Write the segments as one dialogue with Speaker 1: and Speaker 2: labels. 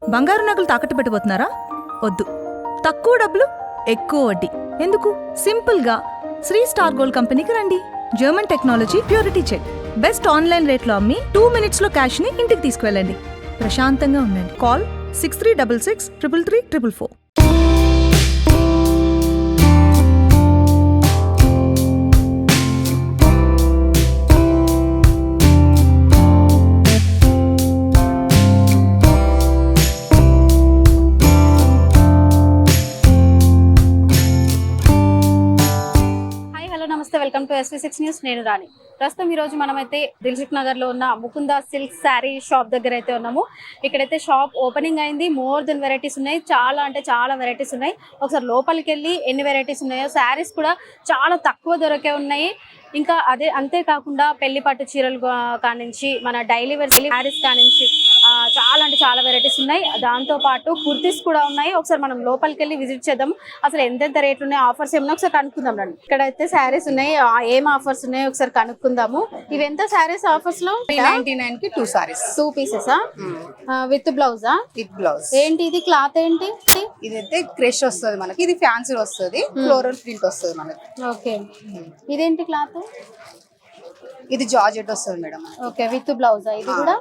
Speaker 1: బంగారు నగలు తాకట్టు పెట్టబోతున్నారా? వద్దు. తక్కువ డబ్బులు, ఎక్కువ వడ్డీ. ఎందుకు? సింపుల్గా శ్రీ స్టార్ గోల్డ్ కంపెనీకి రండి. German technology, purity check. Best online రేట్లో అమ్మి 2 minutesలో క్యాష్ని ఇంటికి తీసుకువెళ్ళండి. ప్రశాంతంగా ఉండండి. Call 6366 333 444.
Speaker 2: Welcome to SV6 news. నేను రాణి. ప్రస్తుతం ఈ రోజు మనమైతే దిల్సుఖ్ నగర్ లో ఉన్న ముకుంద సిల్క్ శారీ షాప్ దగ్గర అయితే ఉన్నాము. ఇక్కడైతే షాప్ ఓపెనింగ్ అయింది. మోర్ దెన్ వెరైటీస్ ఉన్నాయి. చాలా అంటే చాలా వెరైటీస్ ఉన్నాయి. ఒకసారి లోపలికి వెళ్ళి ఎన్ని వెరైటీస్ ఉన్నాయో, శారీస్ కూడా చాలా తక్కువ దొరికే ఉన్నాయి. ఇంకా అంతేకాకుండా పెళ్లి పట్టు చీరలు కానించి మన డైలీ వేర్ శారీస్ కానించి చాలా అంటే చాలా వెరైటీస్ ఉన్నాయి. దాంతో పాటు కుర్తీస్ కూడా ఉన్నాయి. ఒకసారి మనం లోపలికి వెళ్ళి విజిట్ చేద్దాం. అసలు ఎంతెంత రేట్లు ఉన్నాయి, ఆఫర్స్ ఏమన్నా ఒకసారి కనుక్కుందాం రండి. ఇక్కడైతే శారీస్ ఉన్నాయి. ఏం ఆఫర్స్ ఉన్నాయో ఒకసారి కనుక్కుందాము. ఇవి ఎంత శారీస్ ఆఫర్స్ లో?
Speaker 3: 399 కి 2 సారీస్,
Speaker 2: 2 pieces విత్ బ్లౌజా?
Speaker 3: With blouse.
Speaker 2: ఏంటి ఇది క్లాత్ ఏంటి?
Speaker 3: ఇదైతే క్రష్ వస్తుంది మనకి. ఇది ఫ్యాన్సీ వస్తుంది, ఫ్లోరల్ ప్రింట్ వస్తుంది మనకి.
Speaker 2: ఓకే, ఇదేంటి క్లాత్?
Speaker 3: ఇది జార్జెట్ వస్తుంది మేడం.
Speaker 2: ఓకే, విత్ బ్లౌజా ఇది కూడా?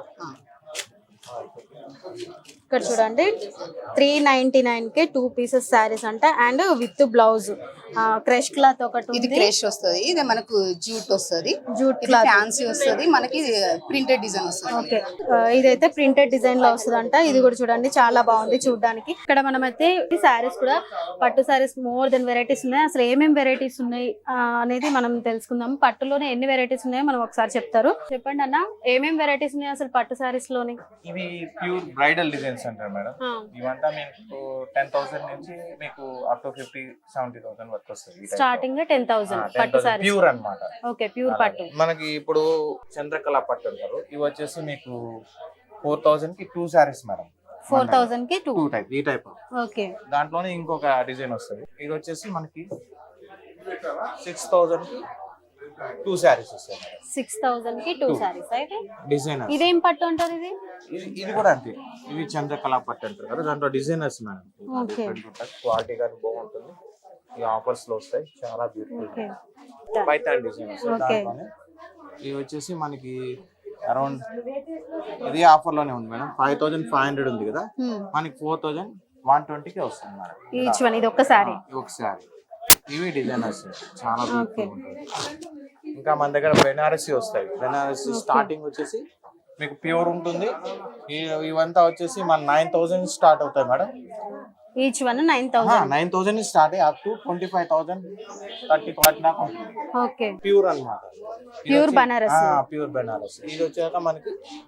Speaker 2: ఇక్కడ చూడండి 399 కి 2 pieces శారీస్ అంట. And with blouse crush cloth ఒకటి
Speaker 3: ఇది క్రష్ వస్తుంది. ఇది మనకు జూట్ వస్తుంది,
Speaker 2: జూట్
Speaker 3: క్లాత్ ఫ్యాన్సీ వస్తుంది మనకి. ప్రింటెడ్ డిజైన్ వస్తుంది.
Speaker 2: ఓకే, ఇదైతే ప్రింటెడ్ డిజైన్ లో వస్తుంది అంట. ఇది కూడా చూడండి చాలా బాగుంది చూడడానికి. ఇక్కడ మనమైతే శారీస్ కూడా పట్టు శారీస్ మోర్ దెన్ వెరైటీస్ ఉన్నాయి. అసలు ఏమేమి వెరైటీస్ ఉన్నాయి అనేది మనం తెలుసుకుందాం. పట్టులోనే ఎన్ని వెరైటీస్ ఉన్నాయో మనం ఒకసారి చెప్తారు. చెప్పండి అన్న, ఏమేమి వెరైటీస్ ఉన్నాయి అసలు పట్టు శారీస్ లోని?
Speaker 4: ఇవి ప్యూర్ బ్రైడల్ డిజైన్స్ అంటారు మేడం. ఇవంతా మీకు 10,000 నుంచి మీకు అప్ టు 50-70,000 వరకు వస్తుంది.
Speaker 2: స్టార్టింగ్ 10,000 పట్టు శారీస్
Speaker 4: ప్యూర్ అన్నమాట.
Speaker 2: ఓకే, ప్యూర్ పట్టు.
Speaker 4: మనకి ఇప్పుడు చంద్రకళ పట్టు అంటారు. ఇవి వచ్చేసి మీకు 4,000 కి 2 సారీస్ మేడం.
Speaker 2: 4,000 కి 2
Speaker 4: టైప్, ఈ టైప్.
Speaker 2: ఓకే,
Speaker 4: దాంట్లోనే ఇంకొక డిజైన్ వస్తుంది. ఇది వచ్చేసి మనకి 6,000 కి 2 సారీస్ వస్తాయి.
Speaker 2: 6,000 కి 2 సారీస్. అయితే
Speaker 4: డిజైనర్.
Speaker 2: ఇదేం పట్టు అంటారు?
Speaker 4: ఇది కూడా అంతే. ఇది చంద్రకళ పట్టు అంటారు కదా, దాంట్లో డిజైనర్స్ మేడం. క్వాలిటీ కానీ బాగుంటుంది. ఈ ఆఫర్స్ లో వస్తాయి. చాలా బ్యూటిఫుల్ పైథాన్ డిజైన్ వస్తాయి దాంట్లోనే. ఇవి వచ్చేసి మనకి అరౌండ్ ఇది ఆఫర్ లోనే ఉంది మేడం. 5,500 ఉంది కదా, మనకి 4,120 కి వస్తుంది మేడం.
Speaker 2: Each one. ఇది ఒక సారీ.
Speaker 4: ఇవి డిజైనర్స్ చాలా బ్యూటిఫుల్ ఉంటుంది. ఇంకా మన దగ్గర బెనారసి వస్తాయి. బెనారసి స్టార్టింగ్ వచ్చేసి మీకు ప్యూర్ ఉంటుంది. ఇవంతా వచ్చేసి మన 9,000 స్టార్ట్ అవుతాయి మేడం.
Speaker 2: Each one 9,000.
Speaker 4: 9,000 స్టార్ట్ అయ్యి అప్ టు 25,000 30,000 దాకా ఉంటుంది.
Speaker 2: ఓకే,
Speaker 4: ప్యూర్ అన్నమాట.
Speaker 2: ప్యూర్ బనారస్.
Speaker 4: ప్యూర్ బనారస్. ఇది వచ్చాక మనకి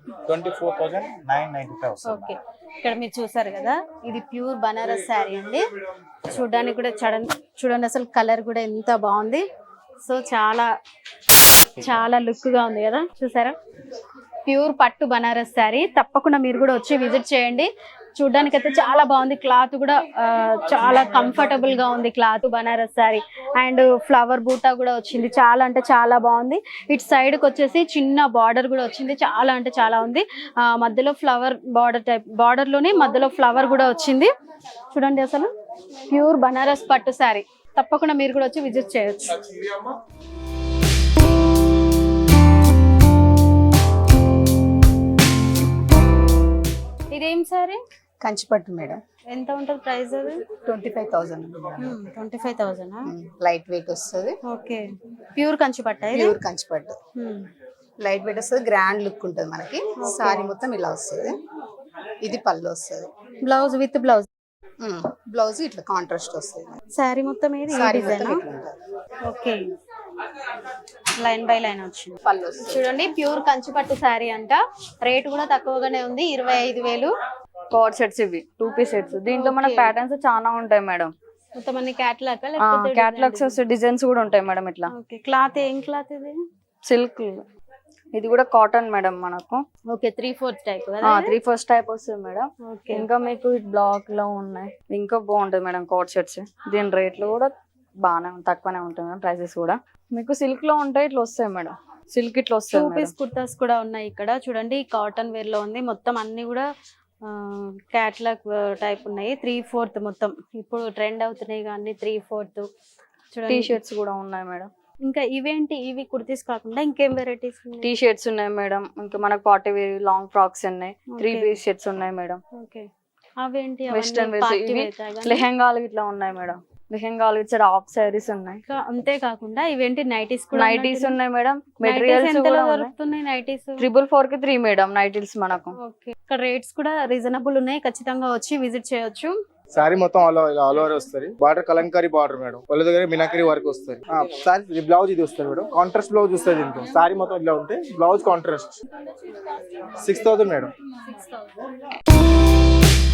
Speaker 4: 24,995 వస్తుంది.
Speaker 2: ఓకే, ఇక్కడ మీరు చూసారు కదా, ఇది ప్యూర్ బనారస్ శారీ అండి. చూడడానికి కూడా చూడండి అసలు కలర్ కూడా ఎంత బాగుంది. సో చాలా చాలా లుక్ గా ఉంది కదా, చూసారా? ప్యూర్ పట్టు బనారస్ శారీ. తప్పకుండా మీరు కూడా వచ్చి విజిట్ చేయండి. చూడడానికి అయితే చాలా బాగుంది. క్లాత్ కూడా చాలా కంఫర్టబుల్ గా ఉంది. Cloth Banaras sari. And flower బూటా కూడా వచ్చింది. చాలా అంటే చాలా బాగుంది. ఇటు సైడ్ కి వచ్చేసి చిన్న బార్డర్ కూడా వచ్చింది. చాలా అంటే చాలా ఉంది. మధ్యలో ఫ్లవర్ బార్డర్ టైప్, బార్డర్ లోనే మధ్యలో ఫ్లవర్ కూడా వచ్చింది. చూడండి అసలు ప్యూర్ బనారస్ పట్టు శారీ. తప్పకుండా మీరు కూడా వచ్చి విజిట్ చేయొచ్చు. ఇదేం సారీ?
Speaker 3: కంచిపట్టు మేడం.
Speaker 2: ఎంత ఉంటుంది ప్రైస్? అది
Speaker 3: 25,000.
Speaker 2: 25,000.
Speaker 3: లైట్ వెయిట్ వస్తుంది.
Speaker 2: ఓకే, ప్యూర్ కంచిపట్టు.
Speaker 3: ప్యూర్ కంచిపట్టు, లైట్ వెయిట్ వస్తుంది. గ్రాండ్ లుక్ ఉంటుంది మనకి. సారీ మొత్తం ఇలా వస్తుంది. ఇది పళ్ళు వస్తుంది.
Speaker 2: Blouse with blouse.
Speaker 3: బ్లౌజ్ ఇట్లా కాంట్రాస్ట్ వస్తుంది.
Speaker 2: సారీ మొత్తం ఏది?
Speaker 3: సారీ మొత్తం ఇట్లా ఉంటుంది.
Speaker 2: ఓకే, లైన్ బై లైన్ వచ్చింది.
Speaker 3: పళ్ళు వస్తుంది.
Speaker 2: చూడండి ప్యూర్ కంచిపట్టు శారీ అంట. రేట్ కూడా తక్కువగానే ఉంది, 25,000.
Speaker 5: కోడ్ సెట్స్ ఇవి 2 పీస్ సెట్స్. దీంట్లో మనకి ప్యాటర్న్స్ చాలా ఉంటాయి మేడం.
Speaker 2: మొత్తం అన్ని క్యాటలాగ్
Speaker 5: క్యాటలాగ్స్ డిజైన్స్ కూడా ఉంటాయి మేడం. ఇట్లా
Speaker 2: ఓకే, క్లాత్ ఏం క్లాత్ ఇది?
Speaker 5: సిల్క్. ఇది కూడా కాటన్ మేడం మనకు.
Speaker 2: ఓకే, 3/4 టైప్ కదా?
Speaker 5: 3/4 టైప్ వస్తుంది మేడం.
Speaker 2: ఓకే,
Speaker 5: ఇంకా మీకు బ్లాక్ లో ఉన్నాయి. ఇంకా బాగుంటుంది మేడం కోడ్ సెట్స్. దీని రేట్లు కూడా బాగానే తక్కువనే ఉంటుంది మేడం. ప్రైసెస్ కూడా మీకు సిల్క్ లో ఉంటాయి. ఇట్లా వస్తాయి మేడం. సిల్క్ ఇట్లా వస్తాయి.
Speaker 2: 2 పీస్ కుర్తాస్ కూడా ఉన్నాయి ఇక్కడ. చూడండి కాటన్ వేర్ లో ఉంది. మొత్తం అన్ని కూడా క్యాట్లాగ్ టైప్ ఉన్నాయి. 3/4 మొత్తం ఇప్పుడు ట్రెండ్ అవుతున్నాయి కానీ 3/4
Speaker 5: టీ
Speaker 2: చూడండి.
Speaker 5: షర్ట్స్ కూడా ఉన్నాయి మేడం.
Speaker 2: ఇంకా ఇవేంటి, ఇవి కుర్తీస్ కాకుండా ఇంకేం వెరైటీస్
Speaker 5: టీ షర్ట్స్ ఉన్నాయి మేడం. ఇంకా మనకు పార్టీ వేర్ లాంగ్ ఫ్రాక్స్ ఉన్నాయి. 3 పీస్ షర్ట్స్ ఉన్నాయి మేడం.
Speaker 2: ఓకే, అవేంటి
Speaker 5: వెస్టర్న్ వేర్స్ లెహెంగాలు ఇట్లా ఉన్నాయి మేడం. లెహెంగాలు ఇచ్చారు, హాఫ్ సారీస్ ఉన్నాయి.
Speaker 2: అంతే కాకుండా ఇవేంటి నైటీస్ కూడా
Speaker 5: నైటీస్ ఉన్నాయి మేడం. మెటీరియల్స్ కూడా
Speaker 2: దొరుకుతున్నాయి నైటీస్.
Speaker 5: 444 కి 3 మేడం నైటీస్ మనకు.
Speaker 2: ఓకే, ఇక్కడ రేట్స్ కూడా రీజనబుల్ ఉన్నాయి. ఖచ్చితంగా వచ్చి విజిట్ చేయొచ్చు.
Speaker 6: సారీ మొత్తం ఆల్ ఓవర్ వస్తుంది. Border Kalamkari border madam. వాళ్ళ దగ్గర మినాకరీ వర్క్ వస్తుంది. సారీ బ్లౌజ్ ఇది వస్తుంది మేడం. కాంట్రాస్ట్ బ్లౌజ్ వస్తుంది దీంట్లో. సారీ మొత్తం ఇట్లా ఉంటే బ్లౌజ్ కాంట్రాస్ట్ 6,000 మేడం.